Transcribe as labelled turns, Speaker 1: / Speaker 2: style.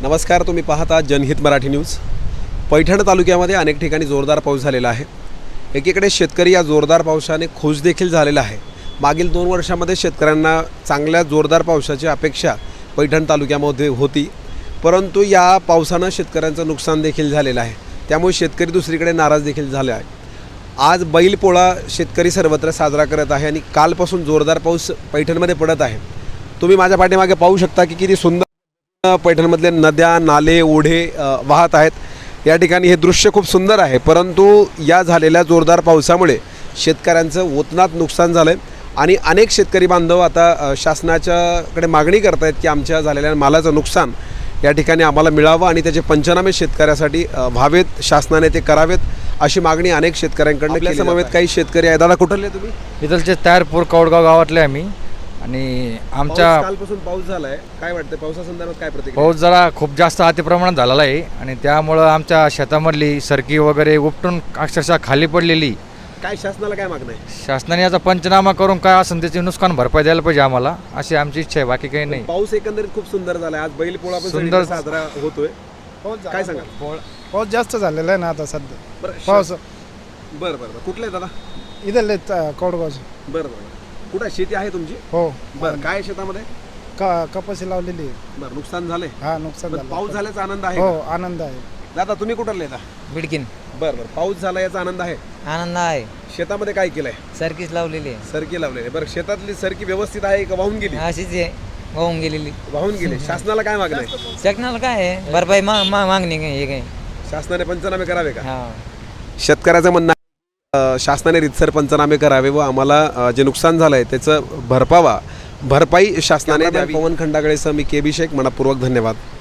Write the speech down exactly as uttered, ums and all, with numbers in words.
Speaker 1: नमस्कार, तुम्ही पाहता जनहित मराठी न्यूज। पैठण तालुक्यामध्ये अनेक ठिकाणी जोरदार पाऊस झालेला आहे। एकीकडे शेतकरी या जोरदार पावसाने खुश देखील झालेला आहे। मागील दोन वर्षांमध्ये शेतकऱ्यांना चांगल्या जोरदार पावसाची अपेक्षा पैठण तालुक्यामध्ये होती, परंतु या पावसाने शेतकऱ्यांचं नुकसान देखील झालेलं आहे। त्यामुळे शेतकरी दुसरीकडे नाराज देखील झाले आहे। आज बैलपोळा शेतकरी सर्वत्र साजरा करत आहे आणि कालपासून जोरदार पाऊस पैठणमध्ये पडत आहे। तुम्ही माझ्या पाठीमागे पाहू शकता की किती सुंदर पैठणमधले नद्या, नाले, ओढे वाहत आहेत। या ठिकाणी हे दृश्य खूप सुंदर आहे, परंतु या झालेल्या जोरदार पावसामुळे शेतकऱ्यांचं ओतनात नुकसान झालंय आणि अनेक शेतकरी बांधव आता शासनाच्याकडे मागणी करत आहेत की आमच्या झालेल्या मालाचं नुकसान या ठिकाणी आम्हाला मिळावं आणि त्याचे पंचनामे शेतकऱ्यासाठी व्हावेत, शासनाने ते करावेत अशी मागणी अनेक शेतकऱ्यांकडून केली जात आहे। काही शेतकरी आहेत। दादा, कुठले तुम्ही?
Speaker 2: इथलचे तारपूर कौडगाव गावातले आम्ही। आणि आमच्या
Speaker 1: कालपासून पाऊस झालाय, काय वाटतं पावसासंदर्भात काय प्रतिक्रिया?
Speaker 2: पाऊस जरा खूप जास्त अतिप्रमाणात झालेला आहे आणि त्यामुळं आमच्या शेतामधली सरकी वगैरे उपटून अक्षरशः खाली पडलेली।
Speaker 1: काय शासनाला काय मागणं आहे?
Speaker 2: शासनाने याचा पंचनामा करून काय असेल त्याचे नुकसान भरपाई द्यायला पाहिजे आम्हाला, अशी आमची इच्छा आहे, बाकी काही नाही।
Speaker 1: पाऊस एकंदरीत खूप सुंदर झालाय। आज बैलपोळा पण
Speaker 2: सुंदर
Speaker 1: साजरा होतोय, काय सांगा?
Speaker 3: पाऊस जास्त झालेला आहे ना आता सध्या।
Speaker 1: बरं
Speaker 3: पाऊस
Speaker 1: बरं बरं कुठले दादा?
Speaker 3: इथले कौडगावचे।
Speaker 1: बरं बरं कुठं शेती आहे तुमची?
Speaker 3: हो।
Speaker 1: बरं, काय शेतामध्ये?
Speaker 3: का कपाशी लावलेली आहे।
Speaker 1: बरं, नुकसान झालंय?
Speaker 3: हा, नुकसान
Speaker 1: बरं,
Speaker 3: झालं।
Speaker 1: पाऊस झाल्याचा आनंद आहे
Speaker 3: हो,
Speaker 1: का?
Speaker 3: आनंद आहे।
Speaker 1: दादा, तुम्ही कुठले येता?
Speaker 4: बिडकीन।
Speaker 1: बरं बरं पाऊस झाला याचा आनंद आहे?
Speaker 4: आनंद आहे।
Speaker 1: शेतामध्ये काय केलंय?
Speaker 4: सरकीच लावलेली आहे।
Speaker 1: सरकी लावलेली। बरं, शेतातली सरकी व्यवस्थित आहे का वाहून गेली?
Speaker 4: अशीच आहे, वाहून गेलेली।
Speaker 1: वाहून गेली। शासनाला काय मागणं आहे?
Speaker 4: शासनाला काय आहे, भरपाई मा मा- मागणी काय हे काय
Speaker 1: शासनाने पंचनामे करावे का?
Speaker 4: हा।
Speaker 1: शेतकऱ्याचं म्हणणं आहे, अ, शासनाने रितसर पंचनामे करावे व आम्हाला अ, जे नुकसान झालं आहे त्याचं भरपावा भरपाई शासनाने द्यावी। पवन खंडागळेसह मी के बी शेख, मनपूर्वक धन्यवाद।